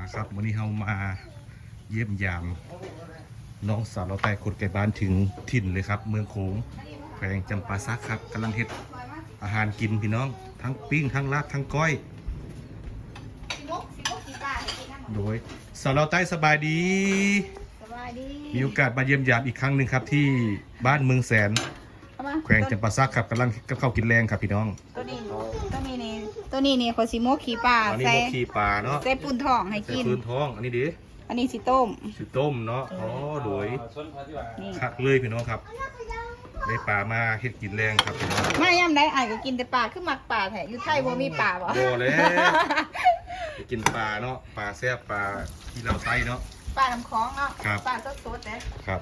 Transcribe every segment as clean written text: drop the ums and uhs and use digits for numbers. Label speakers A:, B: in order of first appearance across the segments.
A: ครับวันนี้เรามาเยี่ยมยามน้องสาวเราใต้คนไกลบ้านถึงถิ่นเลยครับเมืองโขงแขวงจำปาสักครับกำลังเฮ็ดอาหารกินพี่น้องทั้งปิ้งทั้งลาบทั้งก้อยโดยสาวเราใต้สบายดีมีโอกาสมาเยี่ยมยามอีกครั้งหนึ่งครับที่บ้านเมืองแสนแขวงจำปาสักครับกำลังกับข้าวกินแรงครับพี่น้อง
B: ตัวนี้นี่เขาสิโมกขี้ปลา
A: อันนี้
B: ใส่
A: พวกขี้ปลาเนาะ
B: ใส่ปูนทองให้กิน
A: ใส่ปืนท้องอันนี้ดิ
B: อันนี้สิต้ม
A: เนาะอ๋อโดย
B: นี่
A: คักเลยพี่น้องครับได้ปลามาเฮ็ดกินแรงครับพี่น้อง
B: มาย่ำได้อ่านก็กินแต่ปลาคือมักปลาแท้อยู่ไทยบ่มีปลาบ่
A: โบเลยไปกินปลาเนาะปลาแซ่บปลาที่เราไต้เนาะ
B: ปลาน้ำคลองเนาะ
A: ครับ
B: ปลาสดๆเด้
A: ครับ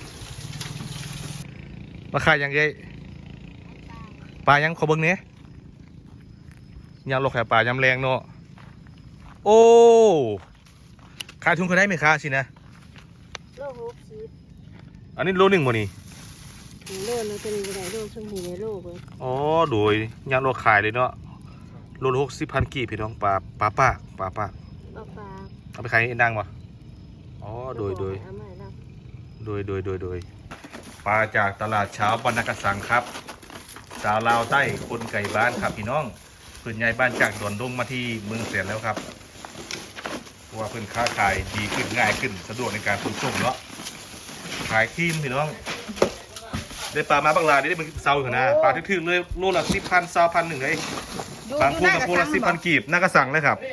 A: มาขายยังไงปลายังขอเบิ่งเนี้ยยำโลแคปลายำแรงเนาะโอ้ขายทุนเขาได้ไหมคะสินะ
C: โล60
A: อันนี้โลหนึ่งบ่นี่
C: โลนึงเป็นบ่ได้โลชมพูในโลเบิ่ง
A: อ๋อโดยยำโลขายเลยเนาะโลละ60,000กีบพี่น้องปลาป้า
C: ปลา
A: เอาไปขายเอ็นดังป่ะอ๋อโดย
C: เอามาแล้ว
A: โดยปลาจากตลาดเช้าบรรณกสังครับสาวลาวใต้คนไก่บ้านครับพี่น้องเพื่อนย้ายบ้านจากดอนดงมาที่เมืองเสียนแล้วครับเพราะว่าเพื่อนค้าขายดีขึ้นง่ายขึ้นสะดวกในการขนส่งเนาะขายทีมพี่น้องได้ปลามาบางรายได้เป็นเซาอยู่นะปลาทึ่ๆเลยโลละ10,000 20,000หนึ่งเลยบางคู่กับคู่ละ10,000กีบน่ากระสังเลยครับ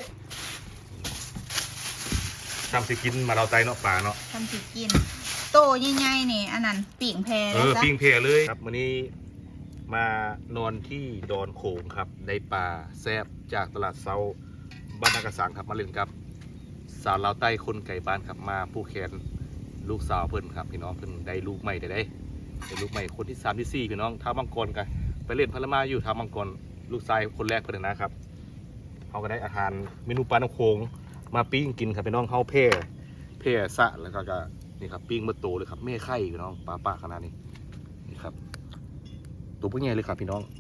A: ทำสิกินมาเราไตเนาะปลาเนาะ
B: ทำสิกินโตใหญ่ๆนี่อันนั้นปิ่งแพจ้ะ
A: ปิ้งเพเลยครับวันนี้มานอนที่ดอนโขงครับได้ปลาแซ่บจากตลาดเซาบ้านนากระสังครับมาเล่นครับสาวลาวใต้คนไก่บ้านครับมาผู้แขนลูกสาวเพิ่นครับพี่น้องเพิ่นได้ลูกใหม่ได้ลูกใหม่คนที่3ที่4พี่น้องท้ามังกรกันไปเล่นพลมาอยู่ท้ามังกรลูกชายคนแรกเพิ่นนะครับเขาก็ได้อาหารเมนูปลาน้ำโขงมาปิ้งกินครับพี่น้องเฮาเพ่สะแล้วก็นี่ครับปิ้งเมื่อโตเลยครับแม่ไข่พี่น้องปลาขนาดนี้นี่ครับตัวพวกใหญ่เลยครับพี่น้อง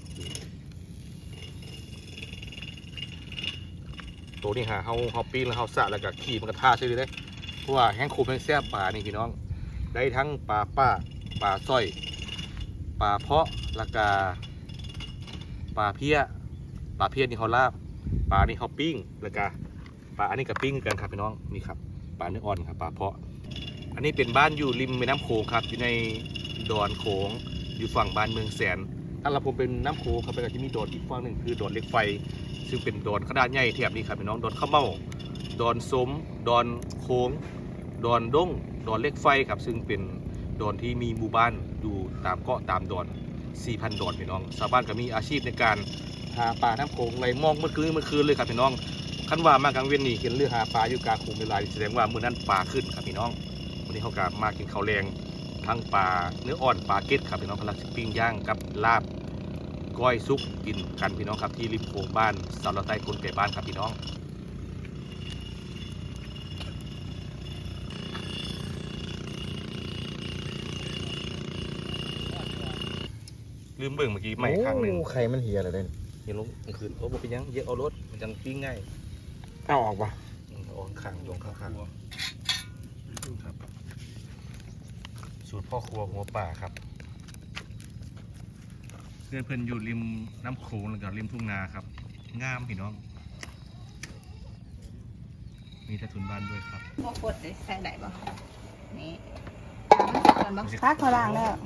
A: ตัวนี้เฮาปิ้งแล้วเฮาสะแล้วก็ขี่มันกระท่าใช่เลยเพราะว่าแห้งโคมแห้งแซ่บปลานี่พี่น้องได้ทั้งปลาสร้อยปลาเพาะแล้วก็ปลาเพี้ยนี่เขาลาบปลานี่เขาปิ้งแล้วก็ปลาอันนี้กับปิ้งกันครับพี่น้องนี่ครับปลาเนื้ออ่อนครับปลาเพาะอันนี้เป็นบ้านอยู่ริมแม่น้ำโขงครับอยู่ในดอนโขงอยู่ฝั่งบ้านเมืองแสนถ้าเราผมเป็นน้ำโขงครับก็จะมีดอนอีกฝั่งหนึ่งคือดอนเหล็กไฟซึ่งเป็นดอนขนาดใหญ่แถบนี้ครับพี่น้องดอนข้าวเม่าดอนสมดอนโขงดอนด้งดอนเหล็กไฟครับซึ่งเป็นดอนที่มีหมู่บ้านอยู่ตามเกาะตามดอน 4,000 ดอนพี่น้องชาวบ้านก็มีอาชีพในการหาปลาน้ำโขงไหลมองเมื่อคืนเลยครับพี่น้องคันว่ามากลางเวียนนี่เห็นเรือหาปลาอยู่กลางโขงเวลาแสดงว่ามื้อนั้นปลาขึ้นครับพี่น้องวันนี้เขาก็มากินข้าวแรงทั้งปลาเนื้ออ่อนปลาเก็ดครับพี่น้องพลักปิ้งย่างกับลาบก้อยซุปกินกันพี่น้องครับที่ริมโขงบ้านสาวลาวใต้คนไก่บ้านครับพี่น้องลืมเบิ่งเมื่อกี้ใหม่ครั้งหนึ่ง
D: ไข่มันเหี่ยอะไรเด่น
A: เห็นลงกลางคืนโอ้บ่เป็นยังเยอะเอารถมันจังปิ้งง่าย
D: เอาออกปะ
A: ออกข้างลงข้างครับสูตรพ่อครัวหัวป่าครับเพื่อนอยู่ริมน้ำโขงแล้วก็ริมทุ่งนาครับงามพี่น้องมีใต้ถุนบ้านด้วยครับ
B: พวกกดได้ใส่ได้บ่นี่ทำมันก่อนบ่พักเขาล้างแล้ว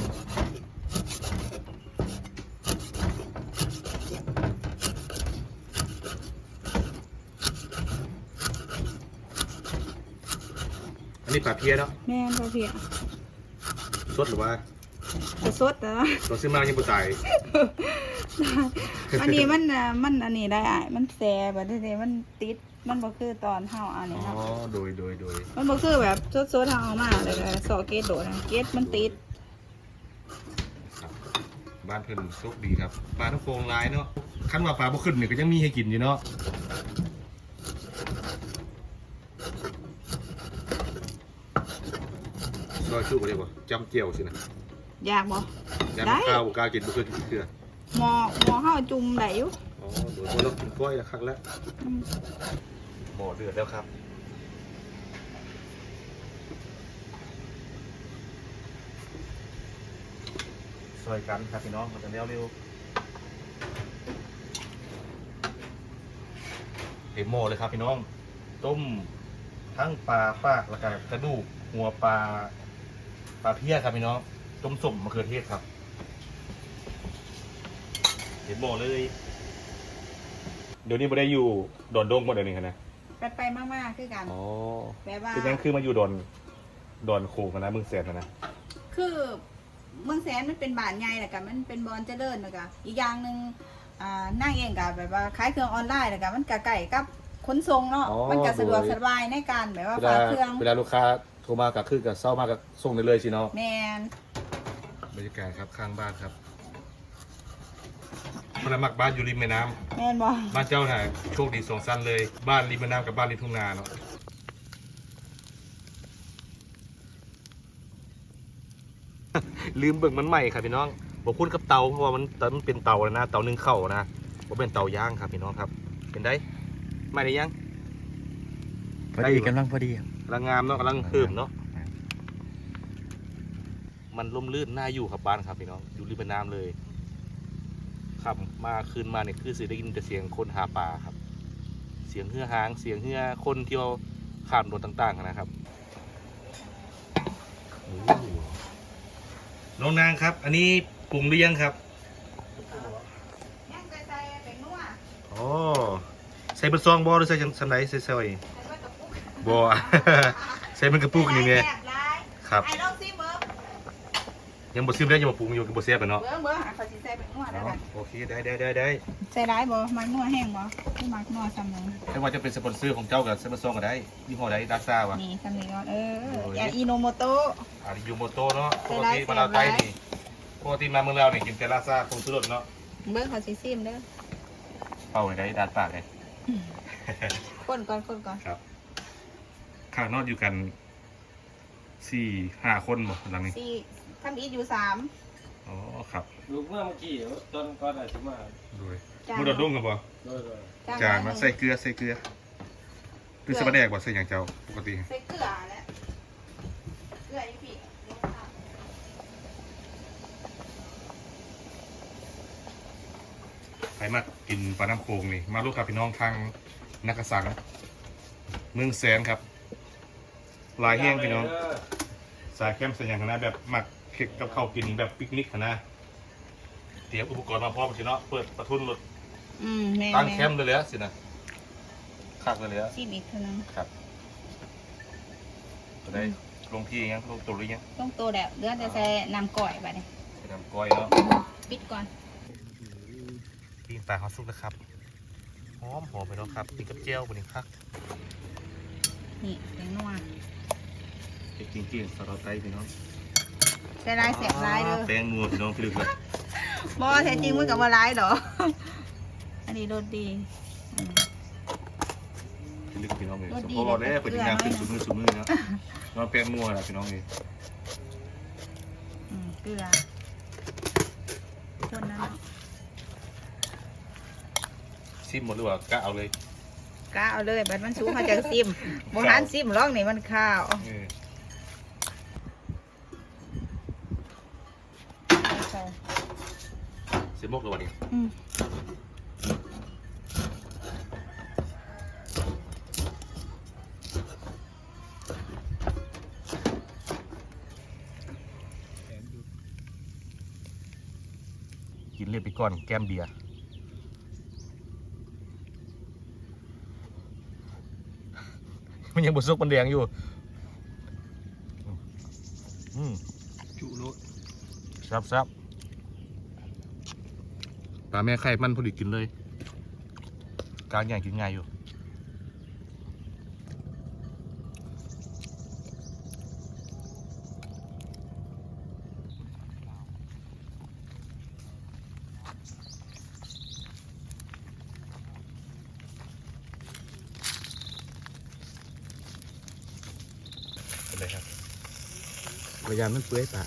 A: อันนี้ปลาเพี้ยเนาะ
B: แม่นบ่เพีย
A: สดหรือว่า
B: จะสดเหรอ
A: เราซื้อมายังบ่ตาย
B: อันนี้มันอันนี้ได้อ่ะมันแซ่บแต่มันติดมันบ่คือตอนเฮาอันนี้
A: อ๋อ
B: เนาะ
A: โดย
B: มันบ่คือแบบสดๆเฮาเอามาเลยก็ซอเกตโดดนะเกตมันติด
A: ครับบ้านเพิ่นโชคดีครับปลาทั้งโคงร้ายเนาะคันว่าปลาบ่ขึ้นเนี่ยก็ยังมีให้กินอยู่เนาะซอยชุบอะไรบ่จำเจียวสินะ
B: อยากบ่
A: ยาม
B: ได้
A: ข้าวกากินบ่เคยกินเทื่อ
B: หมอเฮาจุ่มได้อยู่
A: อ๋อโดยเรากินกล้อยละครั้งแล้วหม้อเดือดแล้วครับซอยกันครับพี่น้องมันจะเร็วเต็มหม้อเลยครับพี่น้องต้มทั้งปลาปากแล้วก็กระดูกหัวปลาเพี้ยครับพี่น้องต้มส้มมะเขือเทศครับเต็มหม้อเลยเดี๋ยวนี้ไม่ได้อยู่ดอนดงหมดเดี๋ยวนี้นะ
B: ไปมากๆคือกัน
A: อ๋อ
B: แบบว่า
A: คือยังคือมาอยู่ดอนโขงนะเมืองแสนนะ
B: คือเมืองแสนมันเป็นบ้านใหญ่แหละกันมันเป็นบอนเจริญแล้วก็อีกอย่างหนึ่งนั่งเองกับแบบว่าขายเครื่องออนไลน์แล้วกันมันก็ใกล้กับขนส่งเนาะมันก็สะดวกสบายในการแบบว่าฝากเครื่อง
A: เวลาลูกค้าโทรมากับคือกับเศร้ามากกับส่งได้เลยสิเนาะ
B: แมน
A: บรรยากาศครับข้างบ้านครับพลมักบ้านอยู่ริมแม่น้ำ
B: แมนบอ
A: บ้านเจ้าน่ะโชคดีสองสั้นเลยบ้านริมแม่น้ำกับบ้านริมทุ่งนาเนาะลืมเบิ่งมันใหม่ครับพี่น้องบอกพูดกับเตาเพราะว่ามันเป็นเตาแล้วนะเตานึ่งข้าวนะว่าเป็นเตาย่างครับพี่น้องครับเป็นได้ไม่ได้ยัง
D: พอดีกำลังพอดี
A: กำลังงามเนาะกำลังเพิ่มเนาะมันร่มรื่นน่าอยู่ครับบ้านครับพี่น้องอยู่ริมแม่น้ำเลยครับมาคืนมาเนี่ยคือสิได้ยินแต่เสียงคนหาปลาครับเสียงเฮือหางเสียงเฮือคนที่เราข้ามถนนต่างๆนะครับน้องนางครับ อันนี้ปรุงหรือยังครับ
B: ยังใส่เป็นนัว
A: อ๋อใส่เป็นซองบอหรือใส่สันไหนใส่ซอย
B: ใส่ว่ากระปุก
A: บอ ใส่เป็นกระปุกนี่ไง
B: แซ่บหลาย
A: ครับ
B: ไอ้ลองซิเบิ้ง
A: ยังบ่ซิมได้ยังบ่ปรุงอยู่กับบ่แซ่บเลยเนาะ
B: เบิ้งเขาสิใส่เป็นนัวแล้วกัน
A: โอเคได้
B: ใส่ร้ายบ่มักนัวแห้งบ่คือมักนัวซ้ำนึง
A: ไม่ว่าจะเป็นสปอนเซอร์ของเจ้ากับเซมซองก็ได้ยี่ห้อใดดาซ่าวะ
B: นี่ซ้ำนี้ก่อน
A: โอ้ย
B: อย่าอิโนโมโตะ
A: อาริยูโมโตเนาะป
B: ใส่
A: ก
B: ได้
A: ติมาลาวใต้
B: ใส่ได้
A: นี่ปกติมาเมืองเราเนี่ยกินแต่ลาซ่าคงสุดเนาะ
B: เบิ้งเขาสิซิมเด้อ
A: เป่าไว้ได้ดาดปากเลย
B: คนก่อน
A: ครับข้างนอกอยู่กัน4-5 คนบ่หลังนี้
B: สี่ทำอีทอยู่3
A: อ๋อครับ
E: ลูกเมื่อกี้ตอนก่อนอาจจะมา
A: ดูเลย
B: จาน
A: มุดดดุ้งกันบ่
E: โดย
A: จางนะใส่เกลือคือสะบะแดกบ่ใส่อย่างเจ้าปกติ
B: ใส่เกลือแหละเกลืออีพี่ลงค่ะ
A: ใครมากินปลาน้ำโขงนี่มาลูกครับพี่น้องทางนักกษัตริย์เมืองแสนครับลายแห้งพี่น้อง สายแคมป์สัญญาณนะแบบหมักเค็กกับข้าวกินแบบปิกนิกนะเตรียมอุปกรณ์มาพร้อมสิเนาะเปิดประทุนรถ
B: แม่
A: ตั้งแคมป์เลยสินะคักเลย
B: ซิมอีกเท่านั้น
A: ครับจะได้ลงที่ยังลงตัวหรือยัง
B: ต้องโตแล้วเหลือแต่ใส่น้ำก่อยไปเนี่ย
A: ไปทำก้อยเนาะ
B: ปิดก่อน
A: ปิ้งปลาฮอตซุปนะครับหอมไปเนาะครับกินกับเจียวบนนี้ครับ
B: นี่แตงนัว
A: เด็กจริงๆสารไตพี่น้อง
B: ใส่ร้ายเสียบร้ายเด้อ
A: แป้งนัวพี่น้องพี่ลึกเลย
B: บ่แท้จริงมันกับว่าร้ายดอก อันนี้รสดี
A: พี่ลึกพี่น้องเลย
B: รสดี
A: พอแล้ว
B: เลย
A: เป็นงานขึ้นสูมือเนาะนอนแป้งนัวนะพี่น้องเลย
B: เกลือคนนั้นเนาะ
A: ซิมหมดหรือว่ากะเอาเลย
B: กล้าเอาเลยบัดมันสูงมาจากซิมโบราณซิมร้องนี่มันข้าว
A: เสียมกเลยวันนี้ กินเรียบไปก่อนแก้มเบียร์มันยังบดซุกมันแดงอยู่จุโลซับปลาแม่ไข่มันพอดีกินเลยกลางใหญ่กินง่ายอยู่เป็นไรครับ
D: พยายามมันเปื่อยป่าน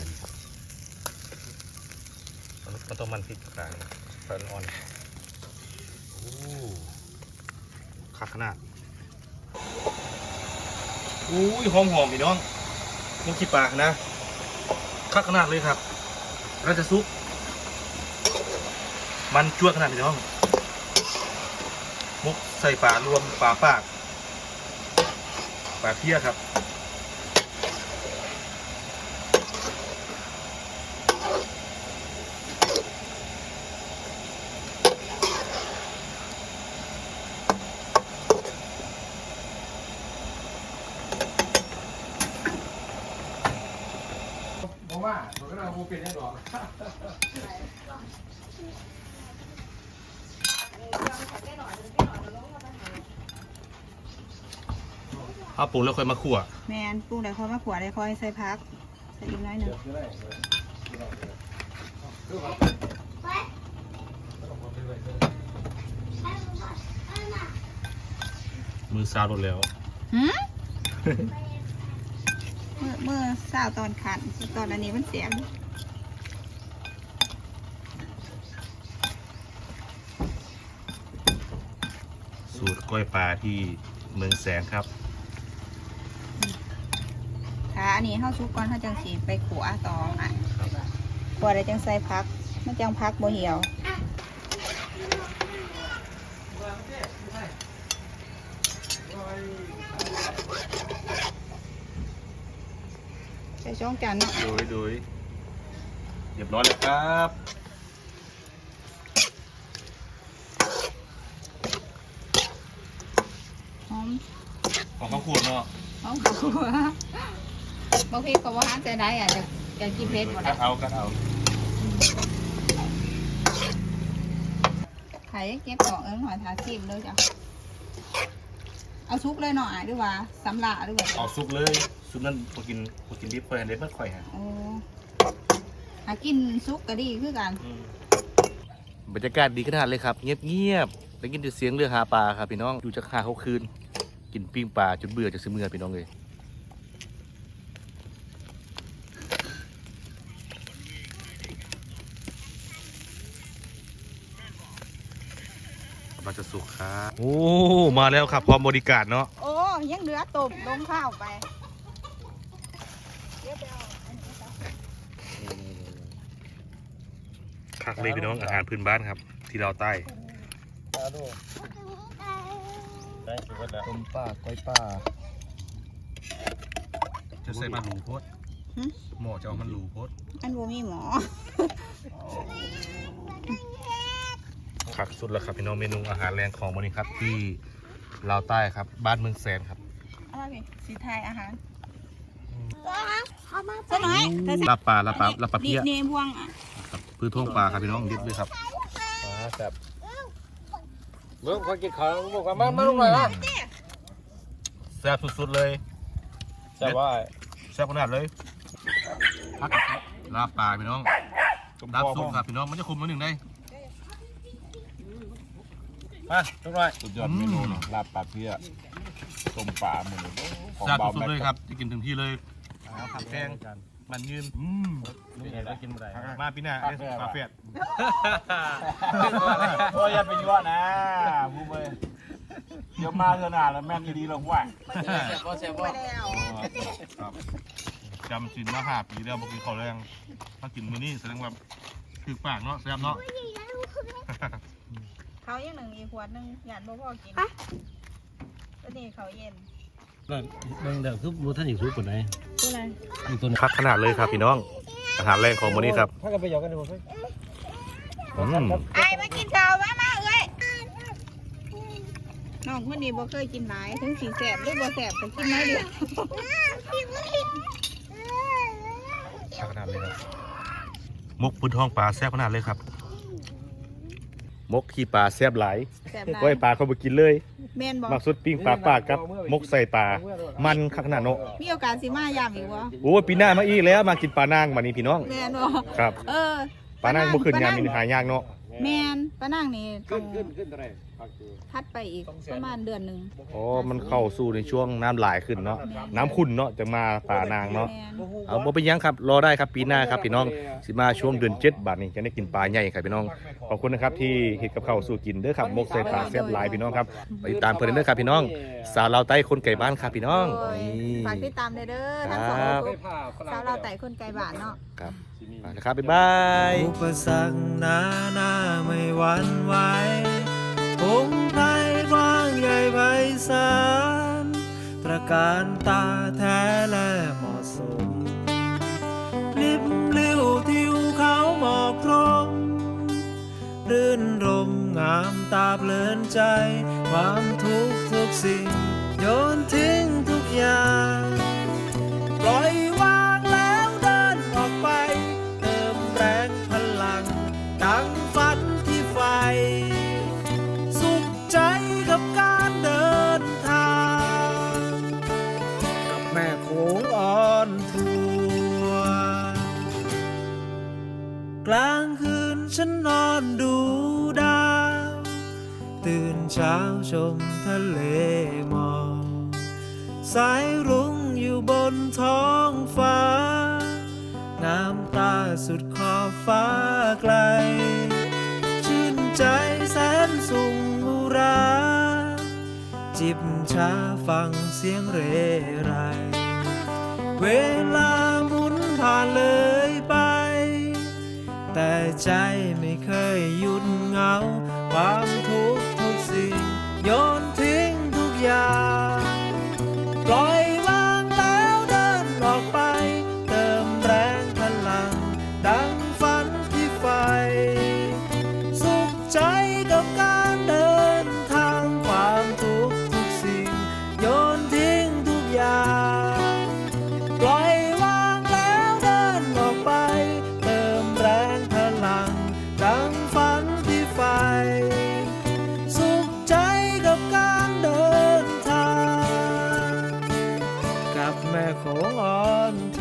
A: มันต้องมันพริกกลางไฟอ่อนโอ้คักขนาดอุ้ยหอมพี่น้องมุกขี้ปากนะคักขนาดเลยครับเราจะซุปมันจวดขนาดนี้น้องมุกใส่ปลารวมปลาปากปลาเพี้ยครับบอกว่าผมก็เราโมเป็นแน่นอนเอาปรุงแล้วค่อยมาคั่ว
B: แมนปรุงได้ค่อยมาขวดได้ค่อยใส่พักใส่อีกน้อยหนึ่ง
A: มือซาวหมดแล้ว
B: หืม เมื่อเช้าตอนขันตอนอันนี้มันเสียง
A: สูตรกล้อยปลาที่เมืองแสงครับ
B: ค่ะอันนี้เข้าซุปก่อนเขาจังสีไปขัวต่ออ่ะขัวได้จังใส่พักมันจังพักบ่เหี่ยวใส่ช่องจานเนาะ
A: โดยเรียบร้อยแล้วครับ
B: หอม
A: ของข้าวขวดเนาะ
B: หอมขัวบางทีก็ว่าจะได้อ่ะจะกินเผ็ดหมด
A: กั
B: อ่ะ
A: ดเอา
B: ไข่เก็บของหน่อยทาซิมเลยจ้ะเอาซุปเลยหน่อยด้วยว่าสำลาด้วย
A: เอาซุปเลยซุปนั้นพอกินดิบค่อยเด็ดมันค่อยฮะ
B: โอ้หากินซุปก็ดีคือกัน
A: บรรยากาศดีขนาดเลยครับเงียบได้ยินแต่เสียงเรือหาปลาครับพี่น้องอยู่จากหาเขาคืนกินปิ้งปลาจนเบื่อจะซื้อเมื่อพี่น้องเลยมาจะสุกครับโอ้มาแล้วครับพร้อมบริการเนาะ
B: โอ้ยังเหลือตบลงข้าวไปเดี๋ยวไปเอาอันนี้จ้ะ
A: คักเลยพี่น้องอาหารพื้นบ้านครับ ที่เราวใต้
D: ต้มป่าก้อยป่า
A: จะใส่มันหลูโพดหม้อจะเอามันหลูโพด
B: อันบ่มีหมอ
A: คักสุดแล้วครับพี่น้องเมนูอาหารแรงของวันนี้ครับที่ลาวใต้ครับบ้านเมืองแสนครับ
B: อะไรพี่สีไทยอาหารซะหน่อยเธอ
A: ลาบปลาเพี้ย
B: นี่พวงอ่ะ
A: ครับพื้นท้องปลาครับพี่น้องดิบเลยครับ
E: แบบเมื่อคนกินข้าวบอกว่ามาลงหน่อยนะ
A: แซ่บสุดๆเลย
E: แต่ว่า
A: แซ่บขนาดเลยพักลาบปลาพี่น้องลาบซุปครับพี่น้องมันจะคุมมาหนึ่งได้
E: มาลงหน่อย
F: สุดยอดเมนูเนาะลาบปลาเพี้ยต้มปลาหมูของ
A: แซ่บ
F: เบา
A: สุด
F: แม็
A: ๆเลย
F: ก
A: ครับจะกินถึงที่เลยผักแกงมันยืน
E: ลุงเห็นแล้วกินอะไร
A: มาปีหน้าไอ้ปลาเฟียด
F: โอ้ยอย่าไปยั่วนะพูดไปเดี๋ยวมาเถอะนะแล้วแม่นดีๆเราว่า
B: ไปแล้ว
A: ครับจำชินมา5 ปีแล้วเมื่อกี้เขาแรงถ้ากินมื้อนี้แสดงว่าคือปากเนาะแซ่บเนาะ
B: เขายังหนึ่งอีกขวดหนึ่งหยาดบ่พอกินตัวนี้เขาเย็น
E: เบิ่งเดี๋ยวคือบูท่านอยู่ซุปปนไหน
B: ตัวอะไร
E: อีกตัวนึง
A: คักขนาดเลยครับพี่น้อง อาหารแรงของมื้อนี้ครับ
E: ถ้ากันไปหยอกกันดูสิ
B: ไอ้มากินข้าวมาเอ้ยน้องคนนี้บ่เคยกินหลายถึงสีแสบหรือบ่แสบก็กินน้อยเดียว
A: คักขนาดเลยครับมุกพื้นท้องปลาแซ่บขนาดเลยครับมกขี้ปลาแซ่บหลาย
B: แสบหลา
A: ก้อย ยปลาเขาไปกินเลย
B: แม่นบ่
A: มักสุดปิ้งปลาปากกับมกใส่ปลามันคักขนาดเนาะ
B: มีโอกาสสิมายามอีกวะ
A: โอ้ยปีหน้ามาอีกแล้วมากินปลานางมานี่พี่น้อง
B: แม่นบ่
A: ครับ
B: เออ
A: ปลานางเมื่อคืนงานมีหายากเนาะ
B: แม่นปลานางนี่ต้อง
E: ขึ้นอะไร
B: พัดไปอีกประมาณเดือนหนึง
A: อ๋อมันเข้าสู่ในช่วงน้ำหลายขึ้นเนาะน้ำขุ่นเนาะจะมาป่านางเนาะ
B: แม่น
A: เอาบ่เป็นหยังครับรอได้ครับปีหน้าครับพี่น้องสิมาช่วงเดือน7บาทนี้จะได้กินปลาใหญ่ครับพี่น้องขอบคุณนะครับที่เฮ็ดกับข้าวสู่กินเด้อครับมกใส่ปลาแซ่บหลายพี่น้องครับไปติดตามเพิ่นเด้อครับพี่น้องสาวลาวใต้คนไก่บ้านครับพี่น้อง
B: โอ้ย
A: นี่
B: ฝากติดตามเด้อทั้งสอง
A: ครับ
B: กลุ่มสาวเราวไต่คนไกลบ้านเนาะ
A: ครับไปนะครับบ๊ายบาย
G: อุปสรรคหนาไม่หวั่นไหวพงไพรกว้างใหญ่ไพศาลตระการตาแท้และเหมาะสมลิบลิ้วทิวเขาหมอกพรมรื่นรมงามตาเพลินใจความทุกข์ทุกสิ่งโยนทิ้งทุกอย่างปล่อยวางแล้วเดินออกไปเติมแรงพลังดังฝันที่ใฝ่สุขใจกับการเดินทางกับแม่โขงอ่อนทัวกลางคืนฉันนอนดูดาวตื่นเช้าชมทะเลหมอกสายรุ้งอยู่บนท้องฟ้าน้ำตาสุดขอบฟ้าไกลชื่นใจแสนสุงอุรา จิบชาฟังเสียงเรไรเวลาหมุนผ่านเลยไปแต่ใจไม่เคยหยุดเหงาความทุกข์ทุกสิ่งโยนทิ้งทุกอย่างปล่อยวางแล้วเดินออกไปเติมแรงพลังดังฝันที่ใฝ่สุขใจกับการเดินทางความทุกข์ทุกสิ่งโยนทิ้งทุกอย่างปล่อยวางแล้วเดินออกไปเติมแรงพลังดังฝันที่ใฝ่สุขใจกับการเดินทางกับแม่ของอ่อน